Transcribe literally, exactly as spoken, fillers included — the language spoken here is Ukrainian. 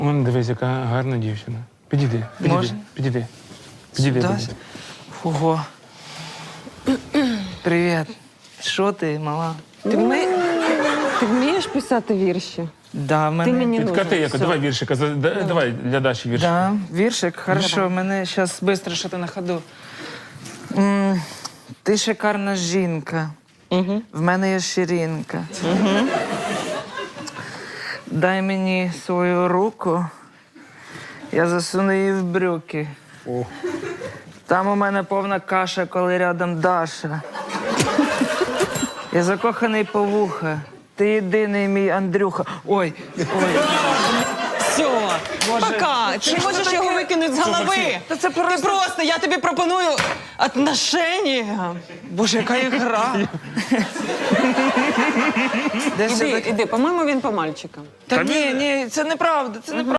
Он, дивись, яка гарна дівчина. Підійди, підійди, Можна? підійди. Підійди. Сюди? підійди. Ого. Привіт. Що ти, мала? Ти, вми... ти вмієш писати вірші? Да, в мене... Ти мені Підкати нужен. яко, Все. давай віршика, за- да- давай для Даші віршик. Да, віршик, хорошо, мене зараз швидко що ти на ходу. М, Ти шикарна жінка. Угу. В мене є ширинка. Дай мені свою руку, я засуну її в брюки. Там у мене повна каша, коли рядом Даша. Я закоханий по вуха. Ти єдиний мій Андрюха. Ой, ой. Все, пока. Ти що можеш таке? його викинути з голови. Та це просто- Ти просто, я тобі пропоную отношення. Боже, яка ігра. Де Іди, все-таки? іди, по-моєму, він по мальчикам. Та ні, ні, це неправда, це неправда.